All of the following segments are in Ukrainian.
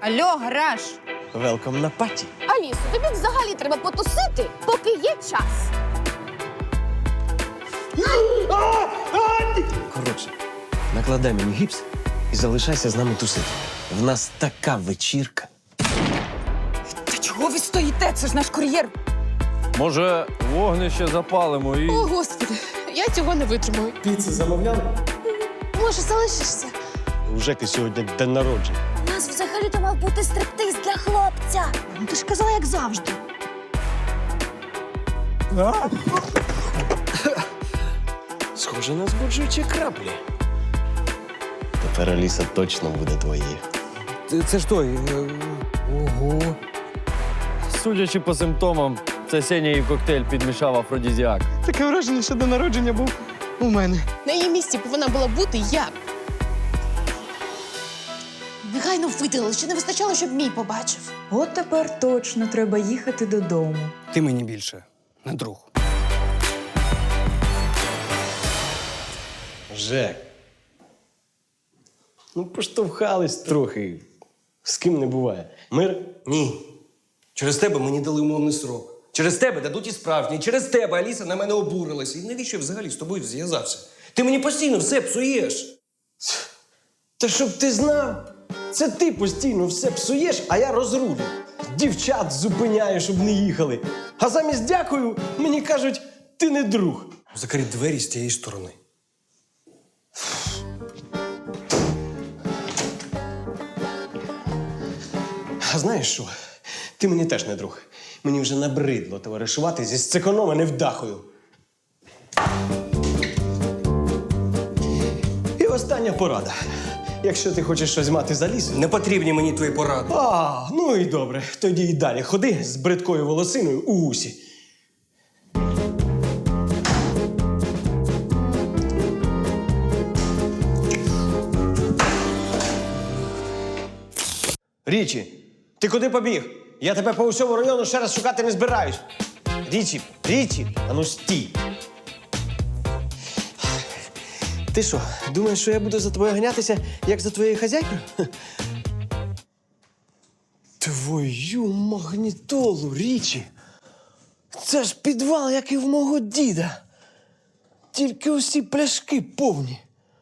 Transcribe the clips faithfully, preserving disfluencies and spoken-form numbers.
Алло, гараж! Велком на паті. Алісо, тобі взагалі треба потусити, поки є час. Коротше, накладай мені гіпс і залишайся з нами тусити. В нас така вечірка. Та чого ви стоїте? Це ж наш кур'єр. Може, вогнище запалимо і. О, Господи, я цього не витримую. Піцу замовляли? Може, залишишся? У Жеки сьогодні день народження. У нас взагалі-то мав бути стриптиз для хлопця. Ну, ти ж казала, як завжди. Схоже на збуджуючі краплі. Тепер Аліса точно буде твоєю. Це, це ж той. е, Ого. Судячи по симптомам, це Сеня їй в коктейль підмішав афродізіак. Таке враження, що до народження був у мене. На її місці повинна була бути я. Негайно видали, ще не вистачало, щоб мій побачив. От тепер точно треба їхати додому. Ти мені більше не друг. Жек. Ну, поштовхались трохи. З ким не буває. Мир? Ні. Через тебе мені дали умовний срок. Через тебе дадуть і справжній. Через тебе Аліса на мене обурилася. І навіщо я взагалі з тобою зв'язався? Ти мені постійно все псуєш. Та щоб ти знав, це ти постійно все псуєш, а я розрулю. Дівчат зупиняю, щоб не їхали. А замість дякую, мені кажуть, ти не друг. Закрий двері з тієї сторони. А знаєш що? Ти мені теж не друг. Мені вже набридло товаришувати зі сцеконом, а не вдахою. І остання порада. Якщо ти хочеш щось мати за лісом. Не потрібні мені твої поради. А, ну і добре. Тоді й далі ходи з бридкою волосиною у усі. Річі, ти куди побіг? Я тебе по усьому району ще раз шукати не збираюсь. Річі, Річі, ану стій. Ти що, думаєш, що я буду за тобою ганятися, як за твоєю хазяйкою? Твою магнітолу, Річі. Це ж підвал, як і в мого діда. Тільки усі пляшки повні.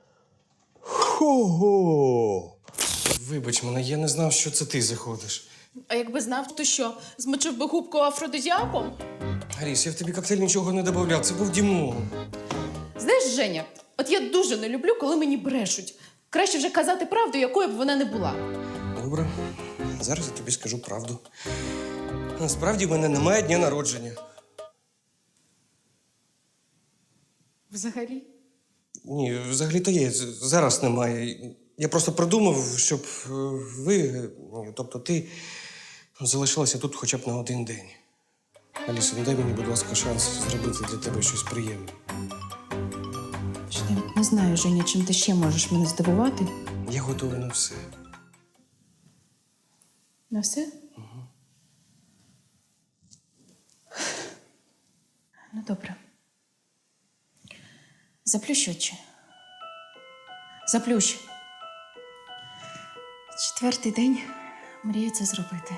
Хо-го! Вибач мене, я не знав, що це ти заходиш. А якби знав, то що, змочив би губку афродизіаком? Аріс, я в тобі коктейль нічого не додавав, це був Дімон. Знаєш, Женя, от я дуже не люблю, коли мені брешуть. Краще вже казати правду, якою б вона не була. Добре, зараз я тобі скажу правду. Насправді в мене немає дня народження. Взагалі? Ні, взагалі-то є. з- Зараз немає. Я просто придумав, щоб е, ви, е, тобто ти, залишилися тут хоча б на один день. Аліса, ну дай мені, будь ласка, шанс зробити для тебе щось приємне. Не знаю, Женя, чим ти ще можеш мене здивувати. Я готовий на все. На все? Ну, добре. Заплющ очі. Заплющ. Четвертий день мрію це зробити.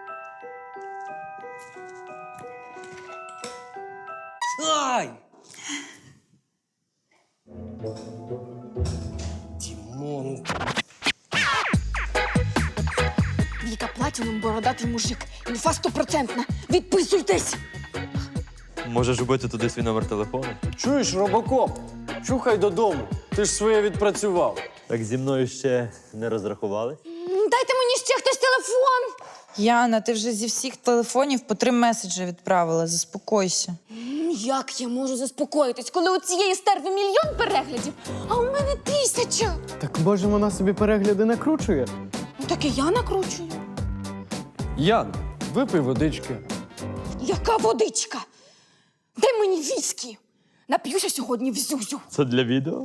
Ай! Дімон. Віка Платінум бородатий мужик. Інфа стопроцентна. Відписуйтесь! Можеш вбити туди свій номер телефону? Чуєш, робокоп? Чухай додому. Ти ж своє відпрацював. Так зі мною ще не розрахували? Дайте мені ще хтось телефон! Яна, ти вже зі всіх телефонів по три меседжі відправила. Заспокойся. Як я можу заспокоїтись, коли у цієї стерви мільйон переглядів, а у мене тисяча? Так може вона собі перегляди накручує? Ну так і я накручую. Ян, випий водички. Яка водичка? Де мені віскі? Нап'юся сьогодні в зюзю. Це для відео?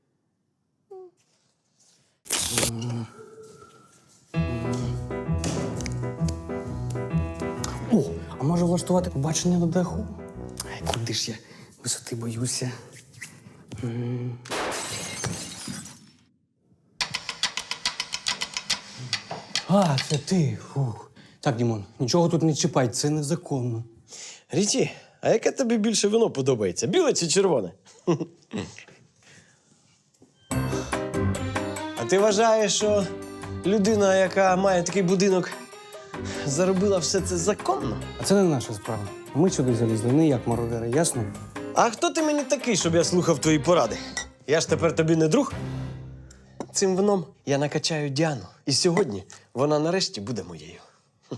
О, а може влаштувати побачення на даху? Ай, куди ж я висоти боюся. А, це ти. Фух. Так, Дімон, нічого тут не чіпай, це незаконно. Ріті, а яке тобі більше вино подобається? Біле чи червоне? А ти вважаєш, що людина, яка має такий будинок, заробила все це законно? А це не наша справа. Ми сюди залізли не як мародери, ясно? А хто ти мені такий, щоб я слухав твої поради? Я ж тепер тобі не друг. Цим вином я накачаю Діану. І сьогодні вона нарешті буде моєю. Хм.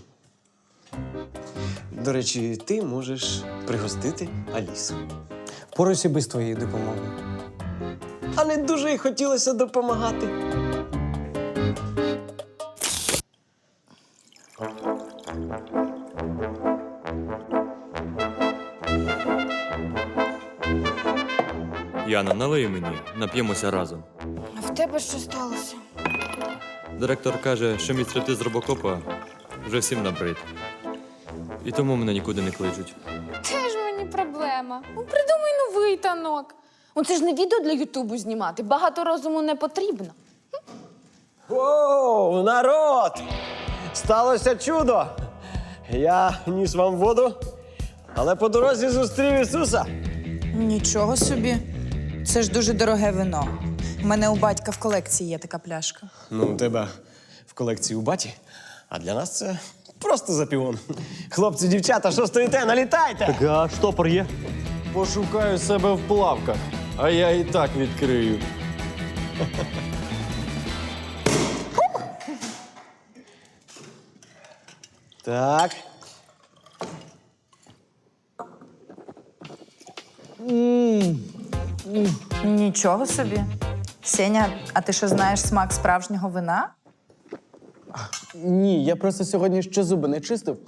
До речі, ти можеш пригостити Алісу. Порайся без твоєї допомоги. А не дуже й хотілося допомагати. Яна, налий мені, нап'ємося разом. А в тебе що сталося? Директор каже, що мій стрити з робокопа вже всім набрид. І тому мене нікуди не кличуть. Теж мені проблема. Ну, придумай новий танок. Ну, це ж не відео для Ютубу знімати. Багато розуму не потрібно. Оу, народ! Сталося чудо! Я ніс вам воду, але по дорозі зустрів Ісуса. Нічого собі. Це ж дуже дороге вино. У мене у батька в колекції є така пляшка. Ну, у тебе в колекції у баті, а для нас це просто запівон. Хлопці, дівчата, що стоїте? Налітайте! А штопор є? Пошукаю себе в плавках, а я і так відкрию. Так. Нічого собі. Сеня, а ти що знаєш смак справжнього вина? Ні, я просто сьогодні ще зуби не чистив.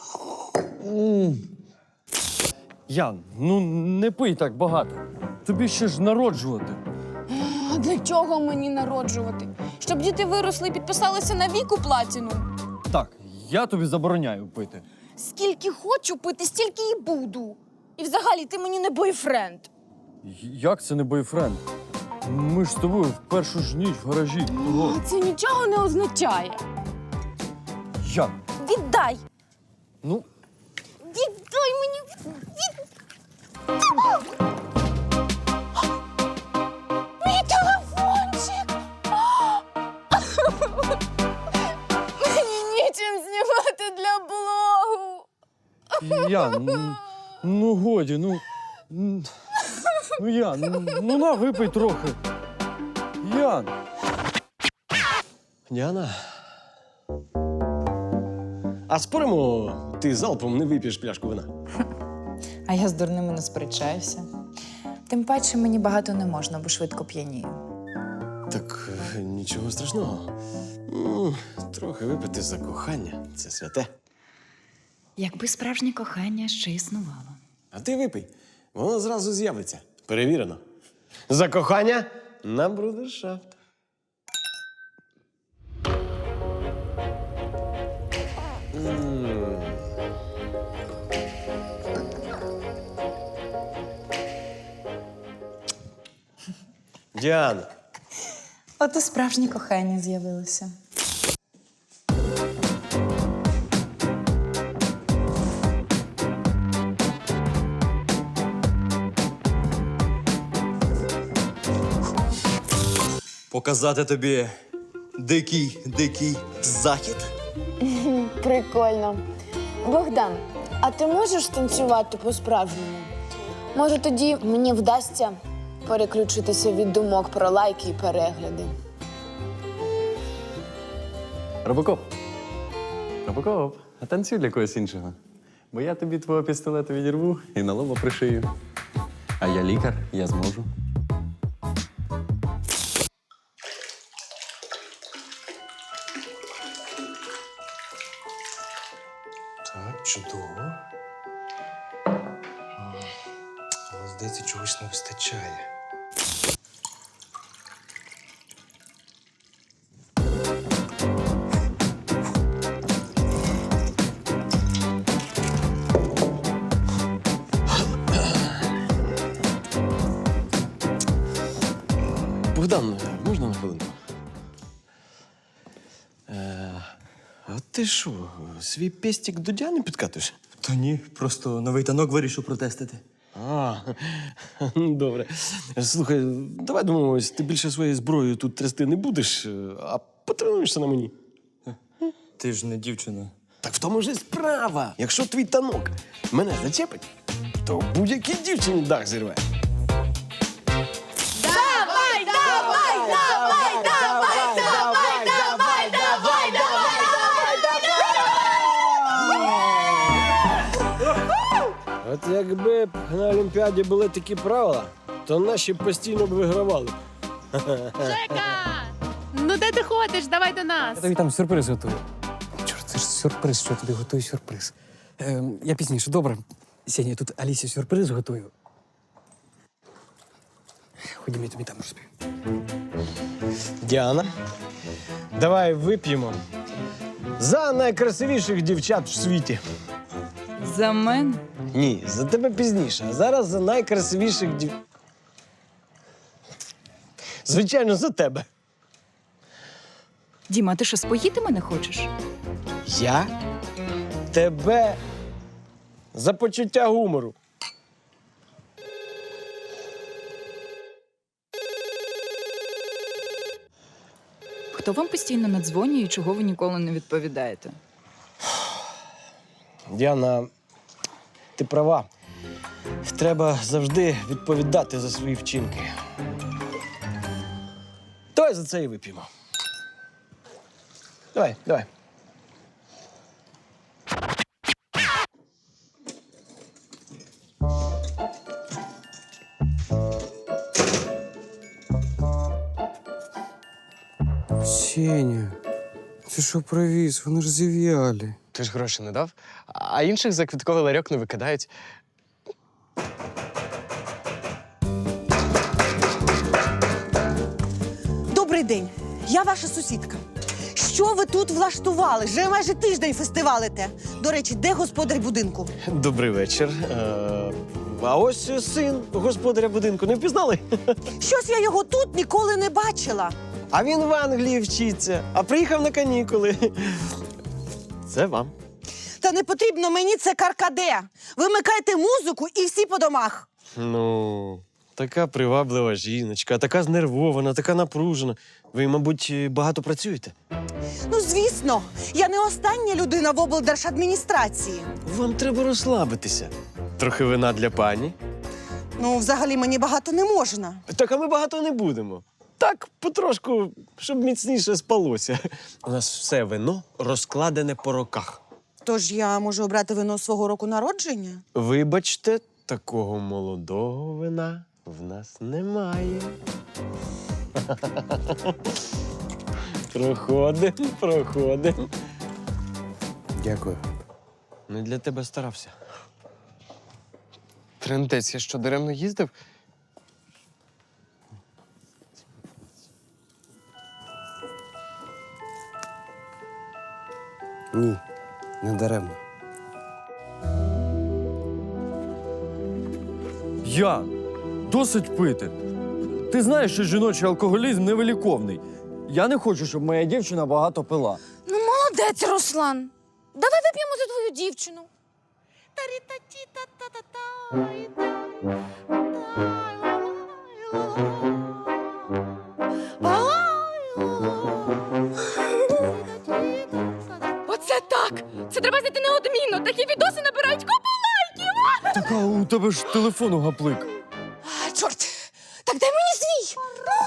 Ян, ну не пий так багато. Тобі ще ж народжувати. А для чого мені народжувати? Щоб діти виросли і підписалися на віку платіну. Так, я тобі забороняю пити. Скільки хочу пити, стільки і буду. І взагалі ти мені не бойфренд. Як це не бойфренд? Ми ж з тобою в першу ж ніч в гаражі. Ого. Це нічого не означає. Ян, Віддай! ну Віддай мені! Від... Мій телефончик! Мені нічим знімати для блогу. Ян, ну, ну годі, ну. м, Ну, Ян, ну, ну на випий трохи. Ян. Діана. А споримо, ти залпом не вип'єш пляшку вина? А я з дурними не сперечаюся. Тим паче мені багато не можна, бо швидко п'янію. Так е, нічого страшного. М, Трохи випити за кохання це святе. Якби справжнє кохання ще існувало. А ти випий, воно зразу з'явиться. Перевірено. За кохання на брудершафт. М. Діана. От і справжнє кохання з'явилося. Показати тобі дикий, дикий захід? Прикольно. Богдан, а ти можеш танцювати по-справжньому? Може, тоді мені вдасться переключитися від думок про лайки і перегляди. Робокоп. Робокоп, а танцюй для когось іншого. Бо я тобі твого пістолета відірву і на лоба пришию. А я лікар, я зможу. Так, чудово. Але, здається, чогось не вистачає. Богдан, можна на хвилинку? Е, а ти що, свій пестик до Діани підкатуєш? Та ні, просто новий танок вирішив протестити. А, добре. Слухай, давай домовимось, ти більше своєю зброєю тут трясти не будеш, а потренуєшся на мені. Ти ж не дівчина. Так в тому ж і справа. Якщо твій танок мене зачепить, то будь-якій дівчині дах зірве. Давай, давай, давай, давай, давай, давай, давай, давай, От якби на Олімпіаді були такі правила, то наші постійно б вигравали. Ну де ти ходиш? Давай до нас. Я тобі там сюрприз готую. Чорт, це ж сюрприз, що я тобі готую сюрприз. Ем, я пізніше, добре. Сеня, я тут Алісі сюрприз готую. Ходімо, я тобі там розповім. Діана, давай вип'ємо за найкрасивіших дівчат в світі. За мене? Ні, за тебе пізніше. А зараз за найкрасивіших дів... Звичайно, за тебе. Діма, ти що, споїти мене хочеш? Я? Тебе за почуття гумору. Хто вам постійно надзвонює і чого ви ніколи не відповідаєте? Діана, ти права. Треба завжди відповідати за свої вчинки. Давай за це і вип'ємо. Давай, давай. Сеня, ти що привіз? Вони ж зів'яли. Ти ж гроші не дав, а інших за квітковий ларьок не викидають. Добрий день, я ваша сусідка. Що ви тут влаштували? Вже майже тиждень фестивалите. До речі, де господар будинку? Добрий вечір. Е, А ось син господаря будинку. Не впізнали? Щось я його тут ніколи не бачила. А він в Англії вчиться, а приїхав на канікули. Це вам. Та не потрібно мені це каркаде. Вимикайте музику і всі по домах. Ну, така приваблива жіночка, така знервована, така напружена. Ви, мабуть, багато працюєте? Ну, звісно, я не остання людина в облдержадміністрації. Вам треба розслабитися. Трохи вина для пані. Ну, взагалі мені багато не можна. Так, а ми багато не будемо. Так, потрошку, щоб міцніше спалося. У нас все вино розкладене по роках. Тож я можу обрати вино свого року народження? Вибачте, такого молодого вина в нас немає. Проходим, проходим. Дякую. Не для тебе старався. Трендець, я що, даремно їздив? Ні, не даремно. Ян, досить пити. Ти знаєш, що жіночий алкоголізм невиліковний. Я не хочу, щоб моя дівчина багато пила. Ну, молодець, Руслан. Давай вип'ємо за твою дівчину. Оце так! Це треба знайти неодмінно. Такі відоси набирають купу лайків. Так, а у тебе ж телефону гаплик. А, чорт! Так дай мені свій!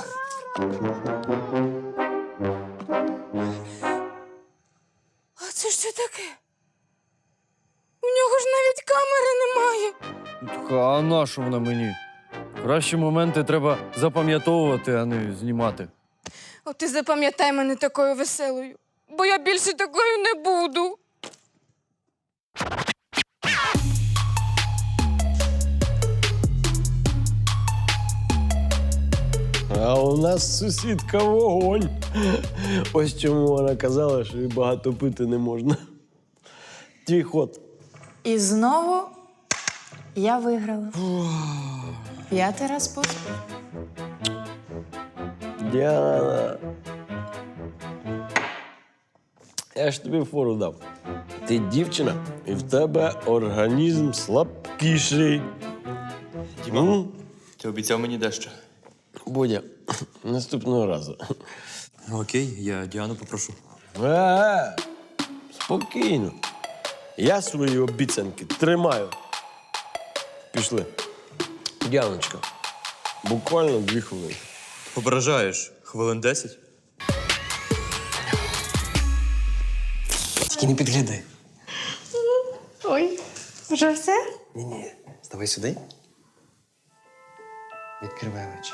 А це що таке? У нього ж навіть камери немає. Так, а на що вона мені? Кращі моменти треба запам'ятовувати, а не знімати. От ти запам'ятай мене такою веселою, бо я більше такою не буду. А у нас сусідка вогонь. Ось чому вона казала, що і багато пити не можна. Твій ход. І знову я виграла. П'ятий раз поспіль. Діана. Я ж тобі фору дав. Ти дівчина, і в тебе організм слабкіший. Діма, ти обіцяв мені дещо. Бодя, наступного разу. Окей, я Діану попрошу. Е, спокійно. Я свої обіцянки тримаю. Пішли. Діаночка, буквально дві хвилини. Ображаєш. Хвилин десять? Тільки не підглядай. Ой, вже все? Ні-ні, ставай сюди. Відкривай очі.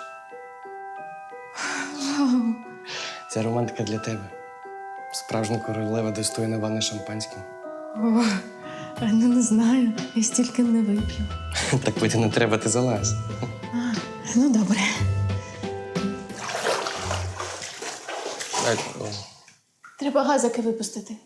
Ця романтика для тебе. Справжня королева достойна ванни шампанським. О, ну не знаю, я стільки не вип'ю. Так пити не треба, ти залазь. Ну, добре. Так, о. Треба газики випустити.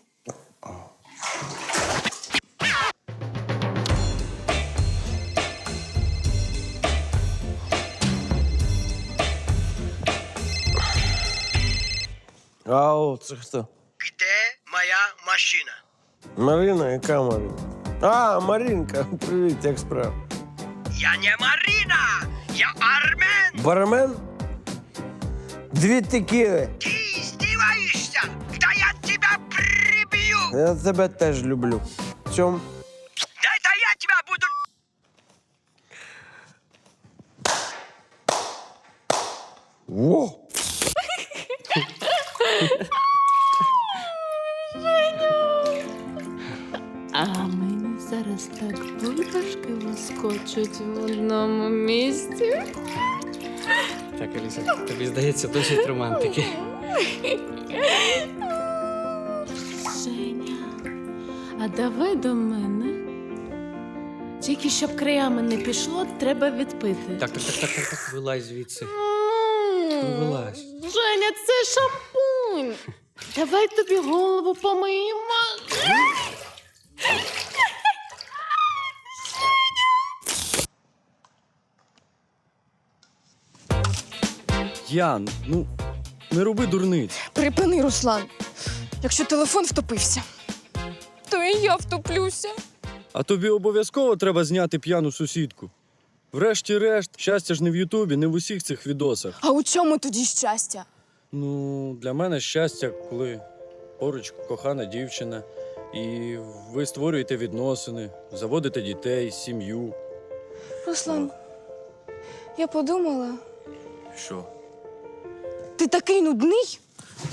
Ау, це хто? Где моя машина? Марина, яка Марина? А, Маринка, привіт, як справа? Я не Марина! Я Армен! Бармен? Дві текіли. Ты издеваешься? Да я тебя прибью! Я тебе теж люблю. Цьом. Да это я тебя буду... Во! А мені зараз так бульбашки вискочуть в одному місці. Так, Аліса, тобі здається досить романтики. Женя, а давай до мене. Тільки щоб краями не пішло, треба відпити. Так, так, так, так, так, так. Вилазь звідси. Ну, вилазь. Женя, це шампунь. Давай тобі голову помиємо. Ян, ну не роби дурниць. Припини, Руслан. Якщо телефон втопився, то і я втоплюся. А тобі обов'язково треба зняти п'яну сусідку. Врешті-решт, щастя ж не в Ютубі, не в усіх цих відосах. А у чому тоді щастя? Ну, для мене щастя, коли поруч кохана дівчина, і ви створюєте відносини, заводите дітей, сім'ю. Руслан, я подумала, Що? ти такий нудний.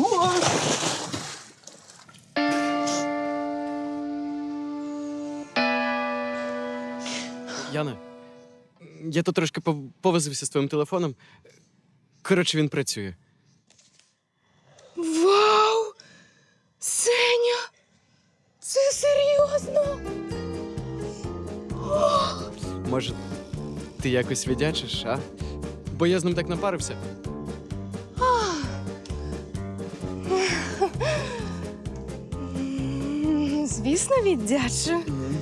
Яна, я тут трошки пов- повозився з твоїм телефоном. Коротше, він працює. Вау! Сеня! Це серйозно? Може, ти якось віддячиш, а? Бо я з ним так напарився. М, Звісно, віддячу.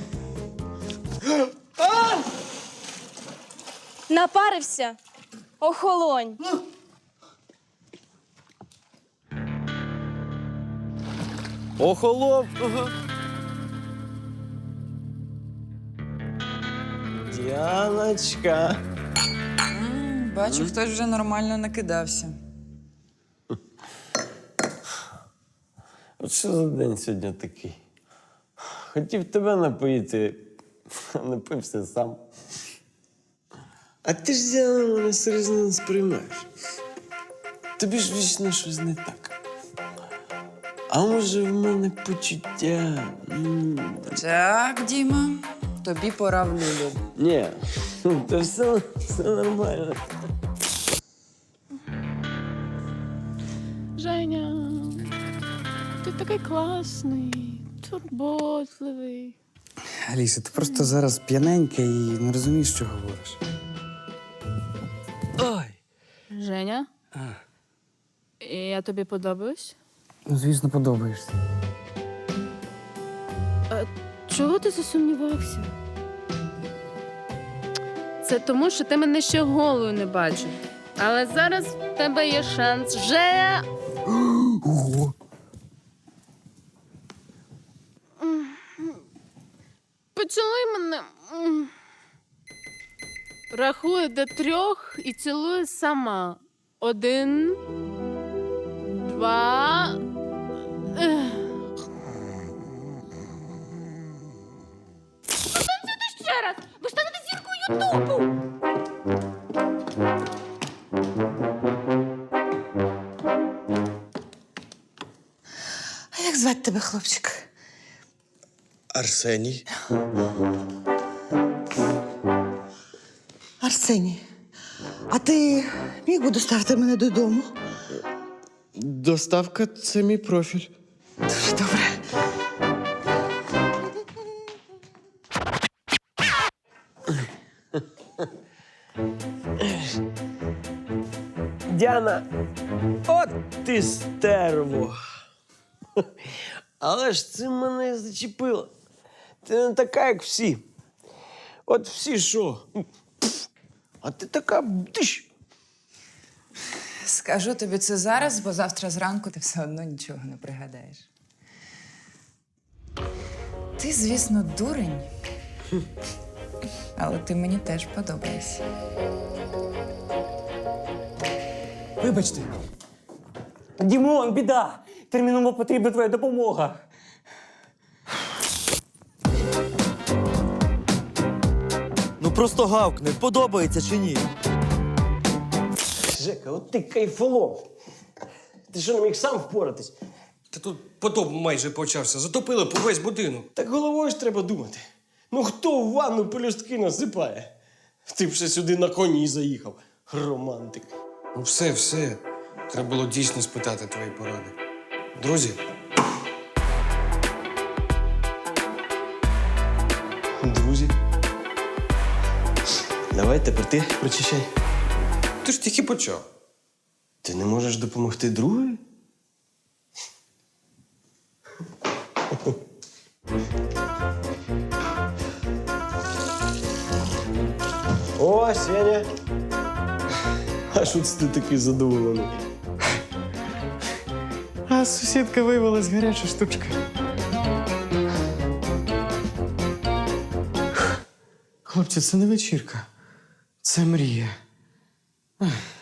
Напарився. Охолонь. Охолов. Діаночка. Бачу, хтось вже нормально накидався. От що за день сьогодні такий? Хотів тебе напоїти, а напився сам. А ти ж Діана мене серйозно не сприймаєш. Тобі ж вічно щось не так. А може в мене почуття? М. Так, Діма, тобі пора в люлю. Ні, то все, все нормально. Женя, ти такий класний, турботливий. Аліса, ти просто зараз п'яненька і не розумієш, що говориш. Ой! Женя? Я тобі подобаюсь? Ну, звісно, подобаєшся. Чого ти засумнівався? Це тому, що ти мене ще голою не бачив. Але зараз в тебе є шанс вже. Ого! мене. М. Рахую до трьох і цілую сама. Один, два. Ех. Потанцюйте ще раз! Ви станете зіркою Ютубу! А як звати тебе, хлопчик? Арсеній. Арсеній. А ти міг би доставити мене додому? Доставка це мій профіль. Дуже добре. Діана, от ти стерво. Але ж це мене зачепило. Ти не така, як всі. От всі що? Пф, а ти така бдиш. Скажу тобі це зараз, бо завтра зранку ти все одно нічого не пригадаєш. Ти, звісно, дурень. Але ти мені теж подобаєшся. Вибачте. Дімон, біда! Терміново потрібна твоя допомога. Ну просто гавкни, подобається чи ні? Жека, от ти кайфолом. Ти що, не міг сам впоратись? Та тут потоп майже почався. Затопили по весь будинок. Так головою ж треба думати. Ну хто в ванну пелюстки насипає? Ти б ще сюди на коні заїхав. Романтик. Ну все, все. Треба було дійсно спитати твої поради. Друзі, Друзі. Давай тепер ти прочищай. ти ж тільки почав. Ти не можеш допомогти другої? О, Сеня. А що це ти такий задоволений? А сусідка виявилась гаряча штучка. Хлопці, це не вечірка. Це мрія. Ех.